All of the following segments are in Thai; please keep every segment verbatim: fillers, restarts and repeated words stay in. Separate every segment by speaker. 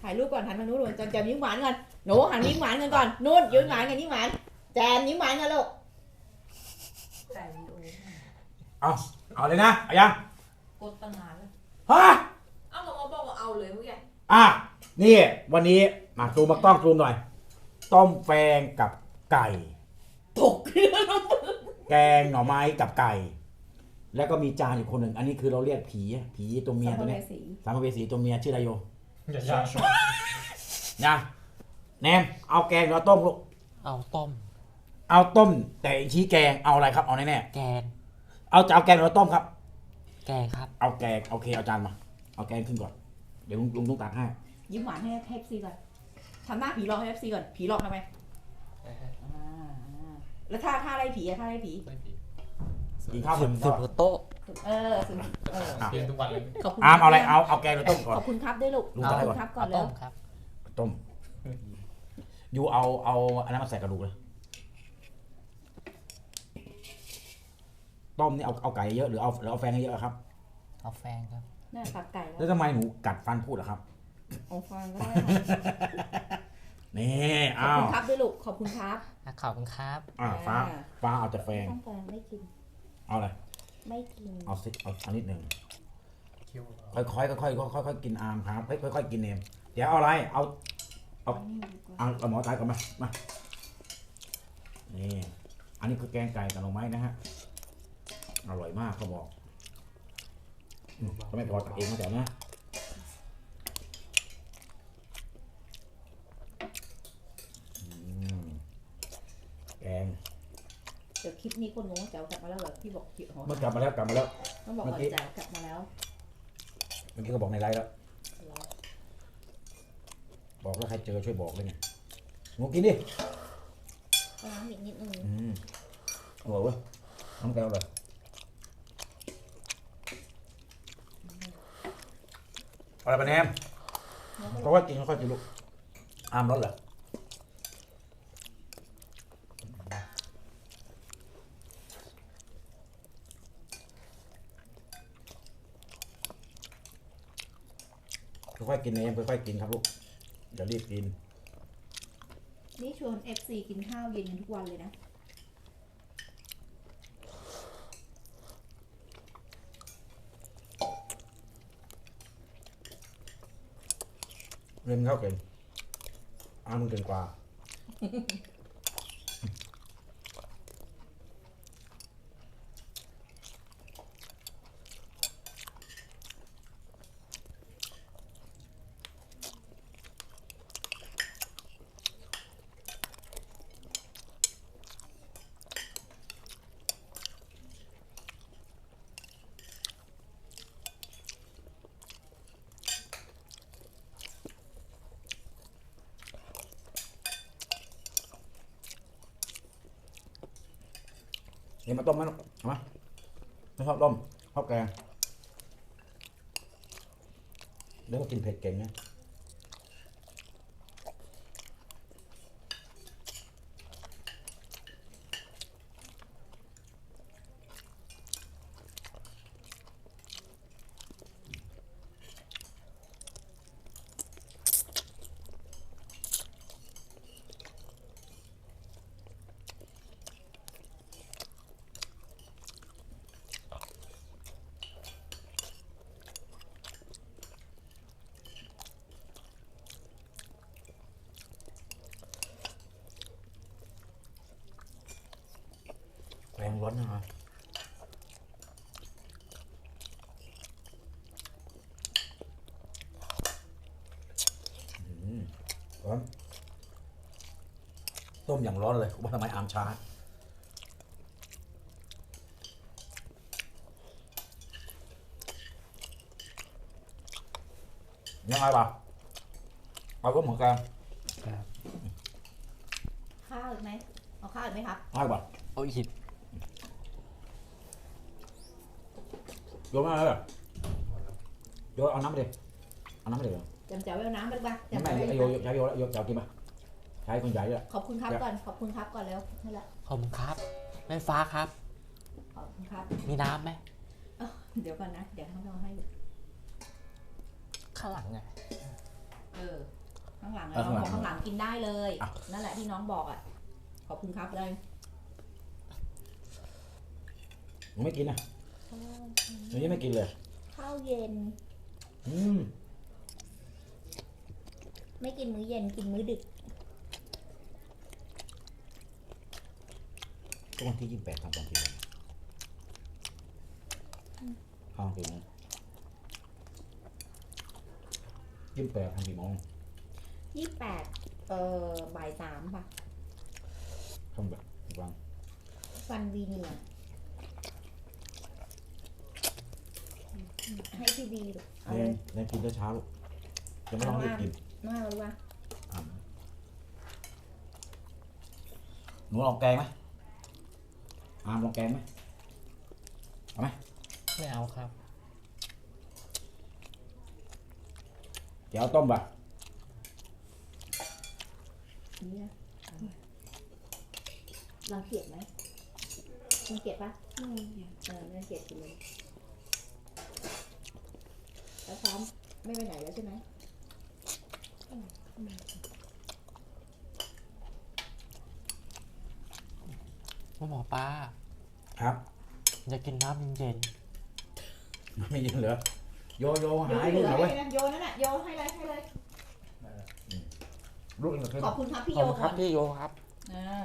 Speaker 1: ถ่ายรูปก่อนหันมานู้นจำจำยิ้มหวานก่อนหนูหันยิ้มหวานกันก่อนนู้นยิ้มหวานกันยิ้มหวานแจมยิ้มหวานกันลูก
Speaker 2: เอาเอาเลยนะเอายัง
Speaker 3: กดตั้งนานแล้ว
Speaker 2: ฮะ
Speaker 3: เอ้าหมอบอกว่าเอาเลยเมื่อกี้
Speaker 2: อ่ะนี่วันนี้มาซูมมากล้องซูมหน่อยต้มแฟงกับไก่
Speaker 1: ตกเรื่อง
Speaker 2: แกงหน่อไม้กับไก่แล้วก็มีจานอีกคนหนึ่งอันนี้คือเราเรียกผีผีตัวเมียตัวนี้สามภเวสีตัวเมียชื่ออะไรโย
Speaker 4: อย่าชา
Speaker 2: นะแนมเอาแกงหรือต้มลูก
Speaker 4: เอาต้ม
Speaker 2: เอาต้มแต่ชี้แกงเอาอะไรครับเอาแน่
Speaker 4: ๆแกง
Speaker 2: เอาจะเอาแกงหรือต้มครับ
Speaker 4: แกงครับ
Speaker 2: เอาแกงโอเคเอาจานมาเอาแกงขึ้นก่อนเดี๋ยวลุงลุงต้องตักให้
Speaker 1: ยิ้มหวานให้เอฟซีก่อนทำหน้าผีหลอกให้เอฟซีก่อนผีหลอกทำไมแล้วท่าท่าอะไรผีอะท่าอะไรผี
Speaker 2: กินข้าวบน
Speaker 4: โต๊ะ
Speaker 1: เออเออ
Speaker 4: เปลี่ยนทุกวันเลย
Speaker 1: ขอบคุณ
Speaker 2: อามเอาอะไรเอาเอาแกงหรือต้มก่อน
Speaker 1: ขอบคุณครับด้วยลูกขอบคุณครับก่อนแล้ว
Speaker 2: ต้มยูเอาเอาอันนั้นมาใส่กระดูกเลยต้มนี่เอาเอาไก่เยอะหรือเอาหรือเอาแฟงเยอะครับ
Speaker 4: เอาแฟงครับ
Speaker 1: น่าตัดไก่
Speaker 2: แล้วทำไมหนูกัดฟันพูดอะครับ
Speaker 1: เอาแฟงก็ได้
Speaker 2: นี่
Speaker 1: ขอบคุณครับด้วยลูกขอบคุณครับ
Speaker 4: ขอบคุณครับ
Speaker 2: อ่าฟ้าฟ้าเอาแต่แฟง
Speaker 1: ต้องแฟงไม่กิน
Speaker 2: เอาอะไร
Speaker 1: ไม่กิน
Speaker 2: เอาสิเอาอันนิดหนึ่งค่อยๆค่อยๆค่อยๆค่อยๆกินอามครับค่อยๆกินเนมเดี๋ยวเอาอะไรเอาเอาเอาเอาหมอตายก่อนมามานี่อันนี้คือแกงไก่กับหน่อไม้นะฮะอร่อยมากเขาบอกก็ไม่พอตักเองมาแต่นะแกง
Speaker 1: เดี๋ยวคลิปนี้คนงงเจ้ากลับมาแล้วเหรอพี่บอกเกี่ยว
Speaker 2: เมื่อกลับมาแล้วกลับมาแล้ว
Speaker 1: ต้องบอกว่าเจ้ากลับมาแล้ว
Speaker 2: เมื่อกี้เขาบอกในไลน์แล้วบอกแล้วใครเจอช่วยบอกเลยเนี่ยงูกินดิ
Speaker 1: น้ำอีกนิดนึง
Speaker 2: อืมอร่อยเว้ยน้ำแก้วเลยอะไรปะแนมเพราะว่ากินค่อยๆกินลูกอามร้อนเหรอค่อยๆกินเองค่อยๆกินครับลูกอย่ารีบกิน
Speaker 1: นี่ชวน เอฟ ซี กินข้าวเย็นกันทุกวันเลยนะ
Speaker 2: เล่นข้าวเก่งอ้ามึงเก่งกว่านี่มาต้มไหมลูกมาไม่ชอบต้มชอบแกงเดี๋ยวก็กินเผ็ดเก่งนะแรงร้อนนะครับร้อนต้มอย่างร้อนเลยว่าทำไมอามช้ายังไงป่ะเอาก็เหมือนกัน
Speaker 1: ข้าวอีกไหมเอาข้าวอีกไหมครับ
Speaker 2: ง่ายป่ะ
Speaker 4: เอาอีก
Speaker 2: โยนมาเลยโยนเอาน้ำไปดิเอาน้ำไปดิ
Speaker 1: จำเจ้าเอาน้ำไปบ้าง
Speaker 2: จำไม่โยใช้โยโยเจ้ากินป่ะใช้คนใหญ่เลย
Speaker 1: ขอบคุณครับก่อนขอบคุณครับก่อนแล้วนั่นแหละ
Speaker 4: ขอบคุณครับแม่ฟ้าครับ
Speaker 1: ขอบคุณครับ
Speaker 4: มีน้ำไหม
Speaker 1: เดี๋ยวก่อนนะเดี๋ยวเขาเอาให้
Speaker 4: ข้างหลังไง
Speaker 1: เออางหลังอะ
Speaker 2: เออ
Speaker 1: น้องบอก
Speaker 2: ข้างหลัง
Speaker 1: ข้างหลังกินได้เลย
Speaker 2: อ่ะ
Speaker 1: นั่นแหละที่น้องบอกอ่ะขอบคุณครับเลย
Speaker 2: หนูไม่กินอ่ะหนูยังไม่กินเลย
Speaker 1: ข้าวเย็น
Speaker 2: อืม
Speaker 1: ไม่กินมื้อเย็นกินมื้อดึก
Speaker 2: ก็วันที่ยี่สิบแปดทำตอนกี่โมงทำกี่โมงยี่สิบแปดทำกี่โมง
Speaker 1: ยี่สิบแปดเอ่อบ่ายสามป่ะ
Speaker 2: ทำแบบวาง
Speaker 1: ฟันวีเนียร์ให้พี่บีดูเอา
Speaker 2: เรี
Speaker 1: เลย
Speaker 2: นเรียนกินเช้าๆลูกจะไม่ต้องรีบกิน
Speaker 1: น่ารู้ป่ะ
Speaker 2: อ่ะหนูลองแกงไหมอามลองแกงไหมเอาไหม
Speaker 4: ไม่เอาครับ
Speaker 2: เดี๋ยวเอาต้มป่ะ
Speaker 1: นี่นะรังเกียจไหมรังเกียจป่ะไม่เออไม่รังเกียจกินเลยแล้วพร้อมไม่ไปไหนแล้วใช่ไหม
Speaker 4: ว่าหมอป้า
Speaker 2: ครับ
Speaker 4: จะกินน้ำเย็น
Speaker 2: ไม่ยินเหรอโยโย
Speaker 1: โย
Speaker 2: หาย
Speaker 1: เห
Speaker 2: ลู
Speaker 1: ลื
Speaker 2: ก
Speaker 1: อ
Speaker 2: หน่อยเว้ย
Speaker 1: ให้นะโยนั่นน่ะโยให้เลยให้เลย
Speaker 2: ลูกหนึ่งคือ
Speaker 1: ขอบคุณครับพี่
Speaker 4: ๆข
Speaker 1: โย
Speaker 4: อบคุณค
Speaker 1: ก่
Speaker 4: รั
Speaker 1: อบ น
Speaker 4: พี่โยครับ
Speaker 1: อ่า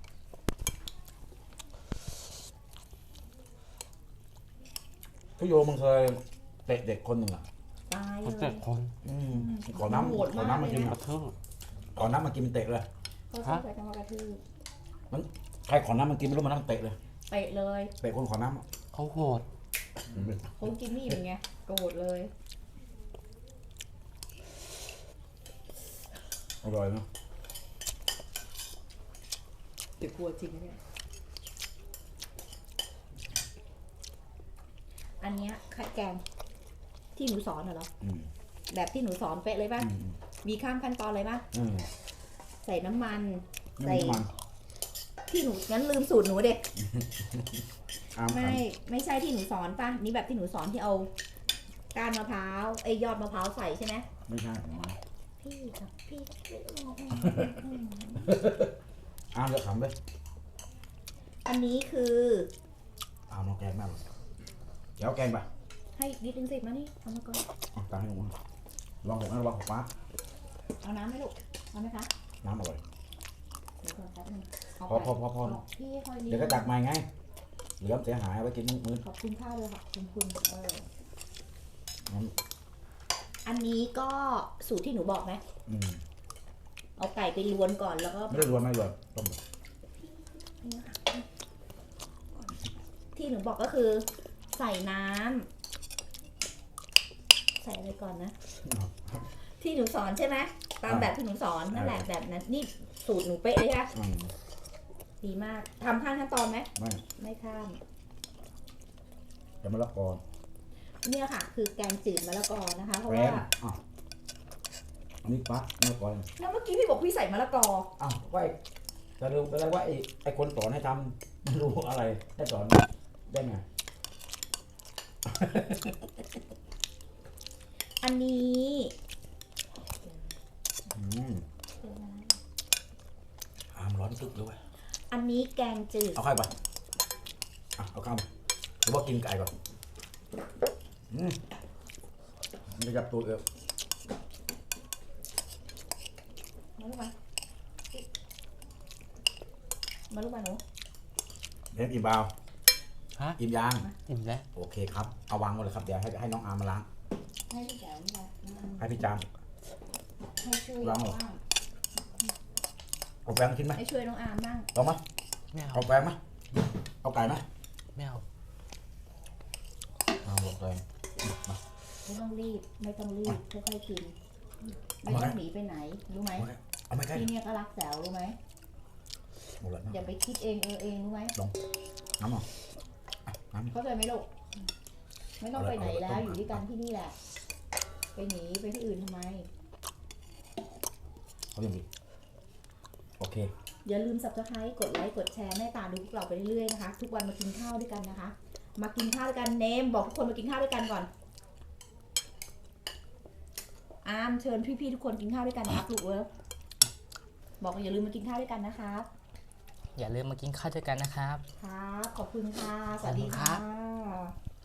Speaker 2: พี่โยมึงเคยเตะเด็กคนหนึ่งอ่ะ
Speaker 1: ตาย
Speaker 4: คน
Speaker 1: เล
Speaker 4: เจ็
Speaker 1: ย
Speaker 4: ดคน
Speaker 2: อืมขอน้ำ
Speaker 1: โหด
Speaker 2: ขอ
Speaker 1: มาก
Speaker 2: น้ำมากิน
Speaker 1: เลยนะ
Speaker 4: กระทืบ
Speaker 2: ขอน้ำมากินมันเตะเลย
Speaker 1: เขาชอบใช้คำว่ากระทืบ
Speaker 2: ใครขอน้ำมันกินไม่รู้มันน้ำเตะเลย
Speaker 1: เตะเลย
Speaker 2: เตะคนขอน้ำอะ
Speaker 4: เขาโหด
Speaker 1: เขากินไม่อิ่มไงโกรธเลย
Speaker 2: อร่อยเนาะ
Speaker 1: เดี๋ยวกลัวจริงนะเนี่ยอันเนี้ยไข่แกงที่หนูสอนเหรอ
Speaker 2: อืม
Speaker 1: แบบที่หนูสอนเป๊ะเลยป่ะ
Speaker 2: อืม
Speaker 1: มีข้ามขั้นตอนเลยป่ะ
Speaker 2: อืม
Speaker 1: ใส่น้ำมัน
Speaker 2: ไม่มีน้ำมัน
Speaker 1: ที่หนูงั้นลืมสูตรหนูเด็ก
Speaker 2: อามขั
Speaker 1: ไม่
Speaker 2: น
Speaker 1: ไม่ใช่ที่หนูสอนป่ะนี่แบบที่หนูสอนที่เอาก้านมะพร้าวไอ้ยยอดมะพร้าวใส่ใช่ไหม
Speaker 2: ไม่ใช่ของมัน
Speaker 1: พี่กับพี่
Speaker 2: อามจะขำเลย
Speaker 1: อันนี้คือ
Speaker 2: อามลองแกงแม่หรอเดี๋ยวเอาแกงไป
Speaker 1: ให้นิดนึงสิมานี่เอามาก่อน
Speaker 2: เอาตังค์ให้ลุงมาลองหกนะลองหกฟ้า
Speaker 1: เอาน้ำไหมลูกเอาไหมคะ
Speaker 2: น้ำอร่อย
Speaker 1: เดี๋ยวก่อนแป๊บนึงเา
Speaker 2: พอ
Speaker 1: ไป
Speaker 2: พอพอพอ
Speaker 1: เอาพี่ค่อยนิด
Speaker 2: เดี๋ยวก็ตักใหม่ไงเหลือมเสียหายเอาไว้กินมื้อ
Speaker 1: ขอบคุณข้าวเลยค่ะขอบคุณเออ
Speaker 2: นั้น
Speaker 1: อันนี้ก็สูตรที่หนูบอกไหม
Speaker 2: อืม
Speaker 1: เอาไก่ไปลวนก่อนแล้วก็
Speaker 2: ไม่ได้รวนไม่รวนต้ม
Speaker 1: ที่หนูบอกก็คือ ใส่น้ำใส่อะไรก่อนนะ ที่หนูสอนใช่ไหมตามแบบที่หนูสอนนั่นแหละแบบนั้นนี่สูตรหนูเป๊ะเลยค่ะ
Speaker 2: อืม
Speaker 1: ดีมากทำข้ามขั้นตอนไหม
Speaker 2: ไม่
Speaker 1: ไม่ข้าม
Speaker 2: จะมะละกอ
Speaker 1: เนี่ยค่ะ คือแกงจืดมะละกอนะคะ เพราะ
Speaker 2: แร
Speaker 1: ว่าม
Speaker 2: อ่ะอันนี้ปั๊บมะละกอ
Speaker 1: แล้วเมื่อกี้พี่บอกพี่ใส่มะละกอ
Speaker 2: อ้าวว่าไอ้จะรู้ไปแล้วว่าไอ้ไอ้คนสอนให้ทำไม่รู้อะไรให้สอนได้ไง
Speaker 1: อันนี้
Speaker 2: อืมอามร้อนตึกเลยเว้ย
Speaker 1: อันนี้แกงจืด
Speaker 2: เอาไข่ไปอ่ะเอาข้าวมาหรือว่ากินไก่ก่อนอืมมันจะจับตัวเอว
Speaker 1: มาลูกมามาลูกมาหนู
Speaker 2: เล่นอิ่มเบา
Speaker 4: ฮะ
Speaker 2: อิ่มยาง
Speaker 4: อิ่มแล้ว
Speaker 2: โอเคครับเอาวางหมดเลยครับเดี๋ยวให้ให้น้องอาร์มมาล้าง
Speaker 1: ให้พี่แจ๋วนี่แหละอืม
Speaker 2: ให้พี่จาม
Speaker 1: ให้ช่วย
Speaker 2: ลองเหรอ
Speaker 1: บ้าง
Speaker 2: เอาแปงกินไหม
Speaker 1: ให้ช่วยน้องอาร์มบ้าง
Speaker 2: ลองไหม
Speaker 4: ไม่เอา
Speaker 2: เอาแปงไหมเอาไก่ไหม
Speaker 4: ไม่เอา
Speaker 2: เอาลงไปมา
Speaker 1: ไม่ต้องรีบไม่ต้องรีบค่อยๆกิน
Speaker 2: เอา
Speaker 1: ไม่
Speaker 2: มา
Speaker 1: ต้องหนีไปไหนรู้ไหม
Speaker 2: เอาไม่ใกล้
Speaker 1: พี่เนี่ยก็รักแจ๋วรู้ไหม
Speaker 2: หมดแล้ว
Speaker 1: อย่าไปคิดเองเออเองรู้ไหม
Speaker 2: น้ำอ่ะน้ำ
Speaker 1: เข้าใจไหมลูกไม่ต้องไปไหนแล้วอยู่ด้วยกันที่นี่แหละ ไปหนีไปที่อื่นทำไม
Speaker 2: เขาอย่างนี้โอเค
Speaker 1: อย่าลืม subscribe กดไลค์กดแชร์แม่ตาดูพวกเราไปเรื่อยๆนะคะ ทุกวันมากินข้าวด้วยกันนะคะ มากินข้าวด้วยกันเนมบอกทุกคนมากินข้าวด้วยกันก่อนอามเชิญพี่ๆทุกคนกินข้าวด้วยกันนะครับลูกเว้ยบอกอย่าลืมมากินข้าวด้วยกันนะครับ
Speaker 5: อย่าลืมมากินข้าวด้วยกันนะครับ
Speaker 1: ครับขอบคุณค่ะสวัสดีค่ะ